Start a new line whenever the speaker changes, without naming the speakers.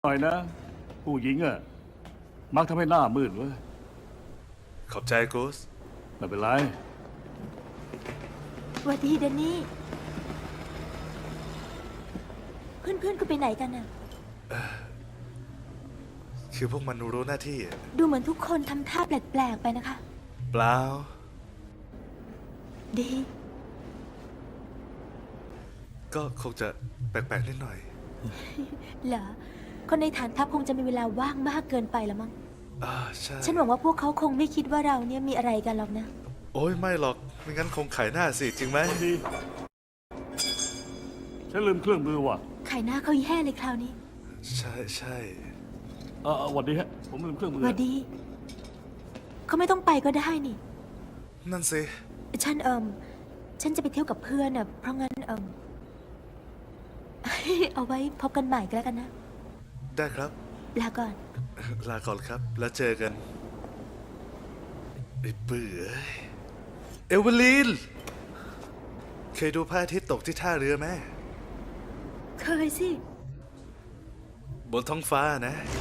หน่อยนะผู้หญิงอะมักทำให้หน้ามืดเว้ย
ขอบใจกูส
ไม่เป็นไร
สวัสดีแดนนี่ เพื่อนๆก็ไปไหนกันน่ะ
คือพวกมันรู้หน้าที่
ดูเหมือนทุกคนทำท่าแปลกๆไปนะคะ
เปล่า
ดี
ก็คงจะแปลกๆนิดหน่อย
เหรอ คนในฐานทัพคงจะมีเวลาว่างมากเกินไปแล้วมั้ง
ใช่
ฉันหวังว่าพวกเขาคงไม่คิดว่าเราเนี่ยมีอะไรกันหรอกนะ
โอ้ยไม่หรอก ไม่งั้นคงขายหน้าสิ จริงไหม
ดีฉันลืมเครื่องมือว่ะ
ไข่หน้าเขาแย่เลยคราวนี้
ใช่ใช่
สวัสดีฮะ ผมลืมเครื่องมือ
สวัสดี เขาไม่ต้องไปก็ได้นี่
นั่นสิ
ฉันจะไปเที่ยวกับเพื่อนน่ะ เพราะงั้นเอาไว้พบกันใหม่ก็แล้วกันนะ
ได้ครับ
ลาก่อน
ลาก่อนครับ แล้วเจอกันไอ้เบื่อเอเวอลีน เคยดูพระอาทิตย์ตกที่ท่าเรือไหม
เคยสิ
บนท้องฟ้านะ